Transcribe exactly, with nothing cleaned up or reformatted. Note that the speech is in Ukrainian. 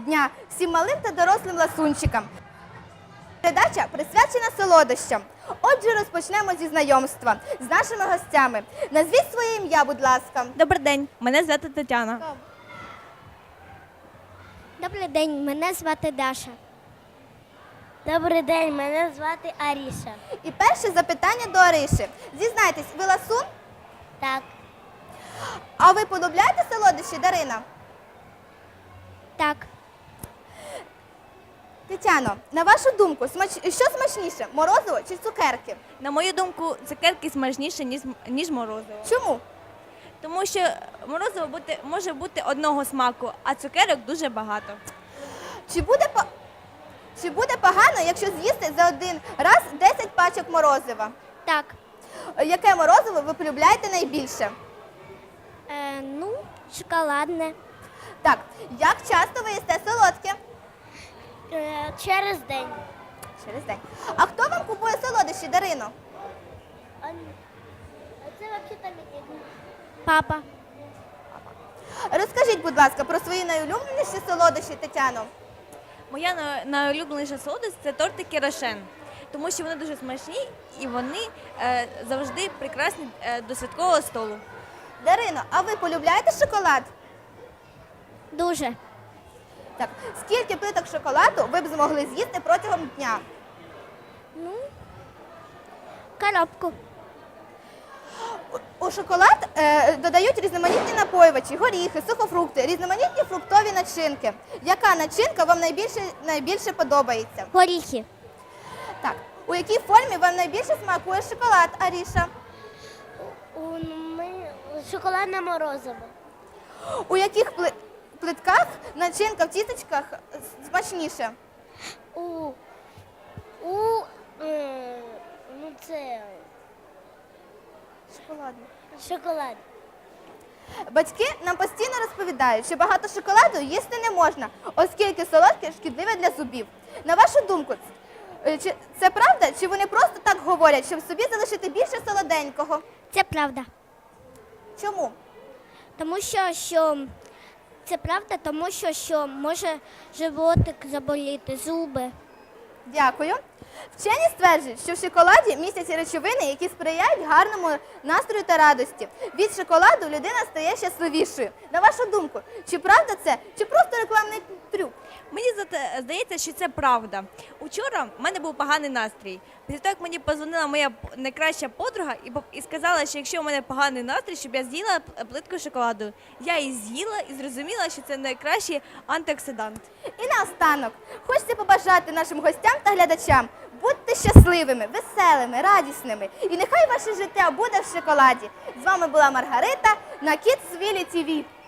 дня всім малим та дорослим ласунчикам. Передача присвячена солодощам. Отже, розпочнемо зі знайомства з нашими гостями. Назвіть своє ім'я, будь ласка. Добрий день, мене звати Тетяна. Добрий день, мене звати Даша. Добрий день, мене звати Аріша. І перше запитання до Ариші. Зізнайтесь, ви ласун? Так. А ви полюбляєте солодощі, Дарина? Так. Тетяно, на вашу думку, смач... що смачніше, морозиво чи цукерки? На мою думку, цукерки смачніші, ніж, ніж морозиво. Чому? Тому що морозиво бути, може бути одного смаку, а цукерок дуже багато. Чи буде, по... чи буде погано, якщо з'їсти за один раз десять пачок морозива? Так. Яке морозиво ви полюбляєте найбільше? Е, ну, шоколадне. Так, як часто ви їсте солодке? Е, через день. Через день. А хто вам купує солодощі, Дарино? А це взагалі папа. Розкажіть, будь ласка, про свої найулюбленіші солодощі, Тетяно. Моя на- найулюбленіша солодость – це тортики Рошен. Тому що вони дуже смачні і вони е, завжди прекрасні е, до святкового столу. Дарино, а ви полюбляєте шоколад? Дуже. Так, скільки плиток шоколаду ви б змогли з'їсти протягом дня? Ну, коробку. У, у шоколад е, додають різноманітні напоювачі, горіхи, сухофрукти, різноманітні фруктові начинки. Яка начинка вам найбільше, найбільше подобається? Горіхи. Так, у якій формі вам найбільше смакує шоколад, Аріша? У, ми... Шоколадне морозиво. У яких пли... плитках начинка в тістечках смачніше? У, у е, ну це Шоколадне. шоколад. Батьки нам постійно розповідають, що багато шоколаду їсти не можна, оскільки солодке шкідливе для зубів. На вашу думку, е, чи це правда, чи вони просто так говорять, щоб собі залишити більше солоденького? Це правда. Чому? Тому що, що це правда, тому що, що може животик заболіти, зуби. Дякую. Вчені стверджують, що в шоколаді містяться речовини, які сприяють гарному настрою та радості. Від шоколаду людина стає щасливішою. На вашу думку, чи правда це, чи просто рекламний трюк? Мені зате- здається, що це правда. Учора в мене був поганий настрій. Після того, як мені позвонила моя п- найкраща подруга і, поп- і сказала, що якщо у мене поганий настрій, щоб я з'їла п- плитку шоколаду. Я її з'їла і зрозуміла, що це найкращий антиоксидант. І наостанок, хочеться побажати нашим гостям та глядачам: будьте щасливими, веселими, радісними. І нехай ваше життя буде в шоколаді. З вами була Маргарита на Kidsville ті ві.